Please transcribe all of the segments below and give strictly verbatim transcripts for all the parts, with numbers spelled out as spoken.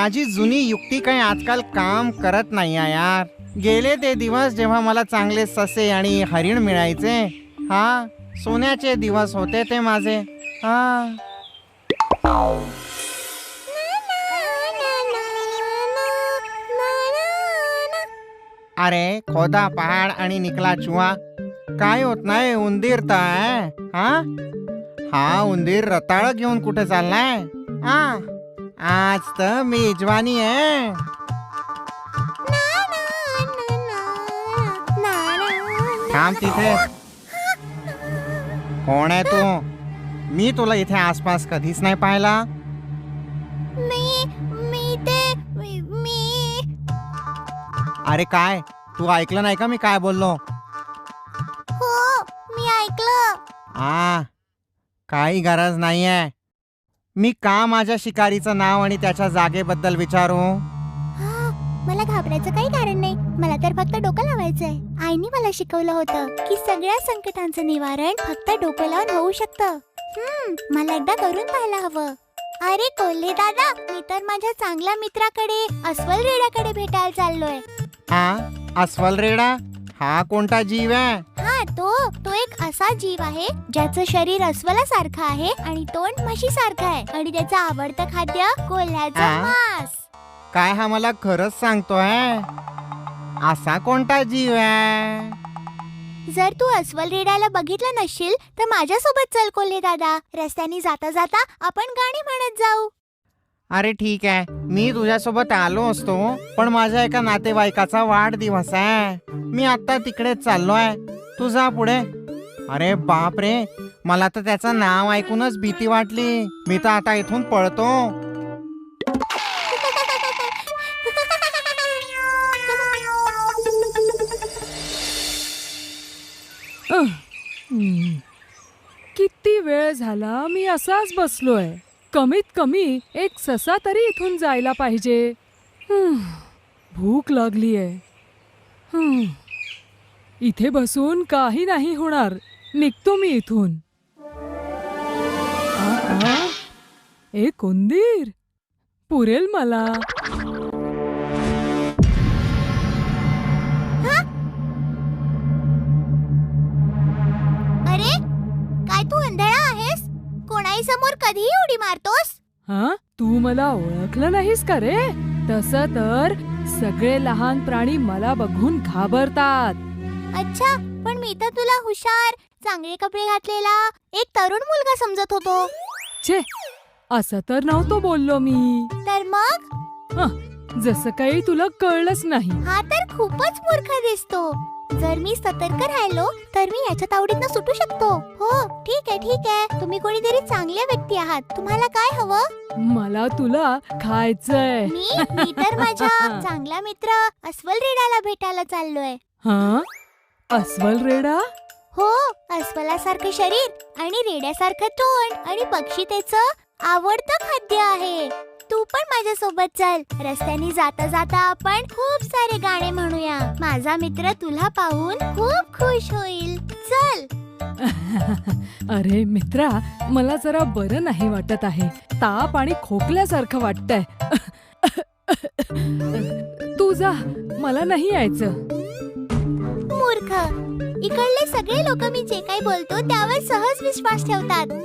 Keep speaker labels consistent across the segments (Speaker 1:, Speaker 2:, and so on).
Speaker 1: माझी जुनी युक्ती काही आजकाल काम करत नाही आहे यार. गेले ते दिवस जेव्हा मला चांगले ससे आणि हरिण मिळायचे. हा, सोन्याचे दिवस होते ते माझे. हा. अरे खोदा पहाड आणि निकला चुहा, काय होत नाही. उंदीर तर आहे. हा हा उंदीर रताळ घेऊन कुठे चाललाय? हा, आज तर मेजवानी आहे. थांब तिथे. कोण आहे तू? मी तुला इथे आसपास कधीच नाही पाहिला.
Speaker 2: मी मी ते मी मी-
Speaker 1: अरे काय, तू ऐकलं नाही का मी काय बोललो?
Speaker 2: हो, मी ऐकलं.
Speaker 1: आ काही गरज नाहीये. मी का माझ्या शिकारीचं नाव आणि त्याच्या जागेबद्दल विचारू?
Speaker 2: हा, मला घाबरायचं काही कारण नाही. मला तर फक्त डोकं लावायचंय. आईने मला शिकवलं होतं की सगळ्या संकटांचं निवारण फक्त डोकं लावून होऊ शकतं. हम्म, मला एकदा करून पाहायला हवं. अरे कोल्हे दादा, मी तर माझ्या चांगल्या मित्राकडे अस्वल रेड्याकडे भेटायला चाललोय.
Speaker 1: हा, अस्वल रेडा हा कोणता जीव आहे?
Speaker 2: हा, तो तो एक असा जीव आहे ज्याचं शरीर अस्वलासारखं आहे आणि तोंड म्हशीसारखं आहे आणि त्याचं आवडतं खाद्य कोल्ह्याचं
Speaker 1: आ?
Speaker 2: मांस.
Speaker 1: काय हा मला खरंच सांगतोय? असा कोणता जीव आहे?
Speaker 2: जर तू अस्वल रेड्याला बघितलं नसशील तर माझ्यासोबत चल कोल्हे दादा. रस्त्याने जाता जाता आपण गाणी म्हणत जाऊ.
Speaker 1: अरे ठीक आहे, मी तुझ्यासोबत आलो असतो, पण माझ्या एका नातेवाईकाचा वाढदिवस आहे. मी आता तिकडेच चाललोय. तू जा पुढे. अरे बाप रे, मला तर त्याचं नाव ऐकूनच भीती वाटली. मी तर आता इथून पळतो.
Speaker 3: अह, हम्म. किती वेळ झाला मी असाच बसलोय. कमीत कमी एक ससा तरी इथून जायला पाहिजे. हम्म, भूक लागलीये. हम्म, इथे बसून काही नाही होणार. निघतो मी इथून. आ, आ, एक उंदीर पुरेल मला.
Speaker 2: अरे, काय तू अंधळा आहेस? कोणाही समोर कधीही उडी मारतोस?
Speaker 3: हा, तू मला ओळखलं नाहीस का रे? तसं तर सगळे लहान प्राणी मला बघून घाबरतात.
Speaker 2: अच्छा, पण मी तर तुला हुशार, चांगले कपडे घातलेला एक तरुण मुलगा समजत होतो.
Speaker 3: छे, असं तर नव्हतो बोललो मी.
Speaker 2: तर मग?
Speaker 3: हं, जसं काही तुला कळलंच नाही.
Speaker 2: हा तर खूपच मूर्ख दिसतो. जर मी सतर्क राहिलो तर मी याच्या तावडीतनं सुटू शकतो. हो, ठीक आहे ठीक आहे. तुम्ही कोणीतरी चांगल्या व्यक्ती आहात. तुम्हाला काय हवं?
Speaker 3: मला तुला खायचंय.
Speaker 2: मी मी तर माझ्या चांगला मित्र अस्वल रेड्याला भेटायला चाललोय.
Speaker 3: हा, अस्वल रेडा?
Speaker 2: हो, अस्वलासारखं शरीर आणि रेड्यासारखं तोंड आणि पक्षी त्याचं आवडतं खाद्य आहे. तू पण माझ्या सोबत चल. रस्त्याने जाता जाता आपण खूप सारे गाणे म्हणूया. माझा मित्र तुला पाहून खूप खुश होईल. चल.
Speaker 3: अरे मित्रा, मला जरा बरं नाही वाटत आहे. ताप आणि खोकल्यासारखं वाटतंय. तू जा, मला नाही यायचं.
Speaker 2: मूर्ख, इकडले सगळे लोक मी जे काही बोलतो त्यावर सहज विश्वास ठेवतात.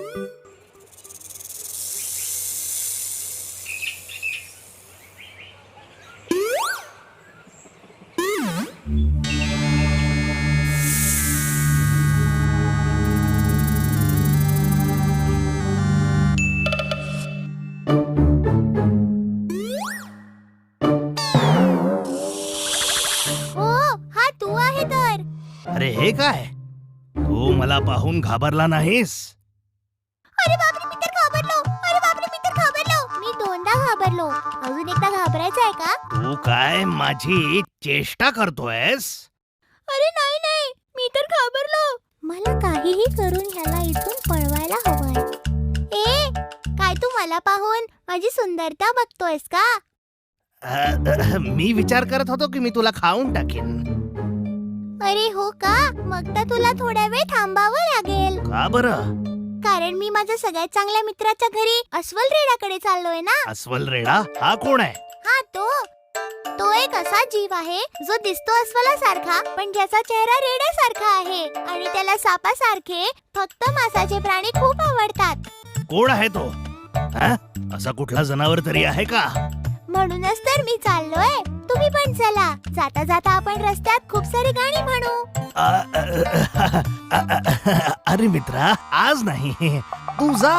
Speaker 4: अरे हे काय, तू मला पाहून घाबरला नाहीस?
Speaker 2: अरे बापरे, मी तर घाबरलो. अरे बापरे, मी तर घाबरलो. मी दोनदा घाबरलो. अजून एकदा घाबरायचं आहे का?
Speaker 4: तू काय माझी चेष्टा करतोयस?
Speaker 2: अरे नाही नाही, मी तर घाबरलो. मला काहीही करून ह्याला इथून पळवायला हवंय. ए, काय तू मला पाहून माझी सुंदरता बघतोयस का?
Speaker 4: अ, अ, मी विचार करत होतो की मी तुला खाऊन टाकीन.
Speaker 2: अरे हो का? मग तर तुला थोड्या वेळ थांबावं लागेल.
Speaker 4: का बरं?
Speaker 2: कारण मी माझ्या सगळ्यात चांगल्या मित्राच्या घरी अस्वल रेड्याकडे चाललोय ना.
Speaker 4: अस्वल रेडा हा कोण आहे?
Speaker 2: हा तो तो एक असा जीव आहे जो दिसतो अस्वलासारखा पण ज्याचा चेहरा रेड्यासारखा आहे आणि त्याला सापासारखे फक्त मांसाचे प्राणी खूप आवडतात.
Speaker 4: कोण आहे तो? हा? असा कुठला जनावर तरी आहे का?
Speaker 2: म्हणूनच तर मी चाललोय. तुम्ही पण चला. जाता जाता आपण रस्त्यात खूप सारी गाणी म्हणू.
Speaker 4: अ, अ, अ, अ, अरे मित्रा, आज नाही, तू जा.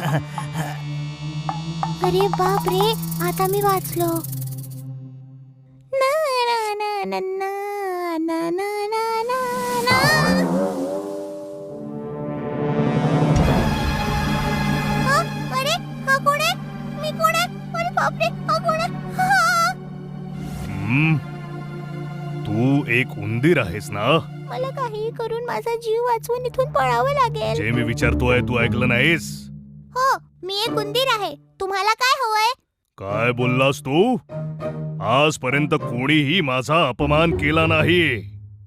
Speaker 2: अरे बाप रे, आता मी वाचलो. ना ना ना ना ना ना ना ना ना ना. हा, अरे हा कोण आहे? मी कोण आहे? अरे बाप रे, हा कोण आहे? हा.
Speaker 4: हम्म, तू एक उंदीर आहेस ना?
Speaker 2: मला काही करून माझा जीव वाचवून इथून पळावं लागेल.
Speaker 4: जे मी विचारतोय तू ऐकलं नाहीस?
Speaker 2: हो, मी एक उंदीर आहे. तुम्हाला काय हवंय?
Speaker 4: काय बोललास तू? आजपर्यंत कोणीही माझा अपमान केला नाही.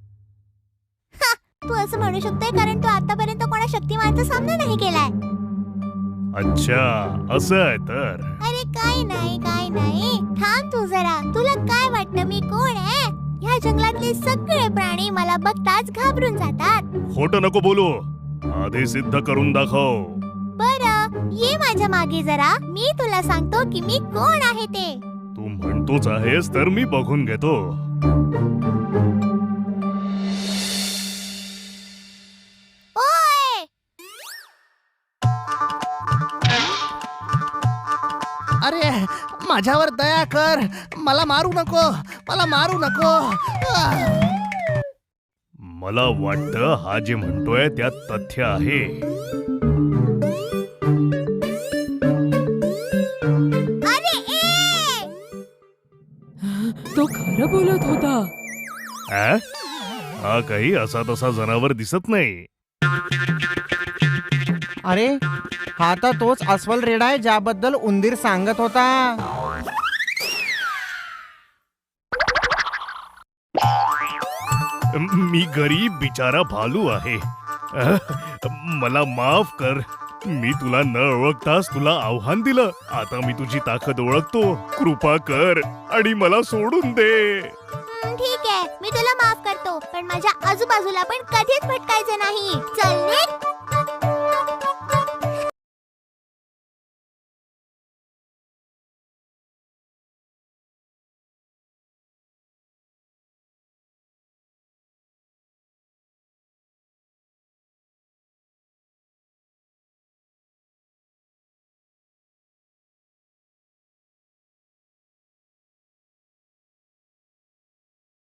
Speaker 2: तू असं म्हणू शकतोय कारण तू आतापर्यंत कोणा शक्तिमानचा सामना नाही केलाय.
Speaker 4: अच्छा, असं आहे तर.
Speaker 2: अरे काय नाही काय नाही, थांब तू जरा. तुला काय वाटतं मी कोण आहे? ह्या जंगलातले सगळे प्राणी मला बघताच घाबरून जातात.
Speaker 4: खोटं नको बोलू, आधी सिद्ध करून दाखव.
Speaker 2: बरं, ये माझ्या मागे जरा. मी तुला सांगतो की मी कोण आहे ते.
Speaker 4: तू म्हणतोच आहेस तर मी बघून घेतो.
Speaker 2: ओय!
Speaker 4: अरे माझ्यावर दया कर, मला मारू नको, मला मारू नको. मला वाटतं हा जे म्हणतोय त्यात तथ्य आहे.
Speaker 2: अरे ए!
Speaker 3: तो खरं बोलत होता.
Speaker 4: आ? हा काही असा तसा जनावर दिसत नाही.
Speaker 1: अरे हा तर तोच अस्वल रेडा आहे ज्याबद्दल उंदीर सांगत होता.
Speaker 4: मी गरीब बिचारा भालू आहे. अह, मला माफ कर. मी तुला न ओळखताच तुला आव्हान दिलं. आता मी तुझी ताकद ओळखतो. कृपा कर आणि मला सोडून दे.
Speaker 2: हं, ठीक आहे, मी तुला माफ करतो पण माझ्या आजूबाजूला पण कधीच भटकायचं नाही. चल निघ.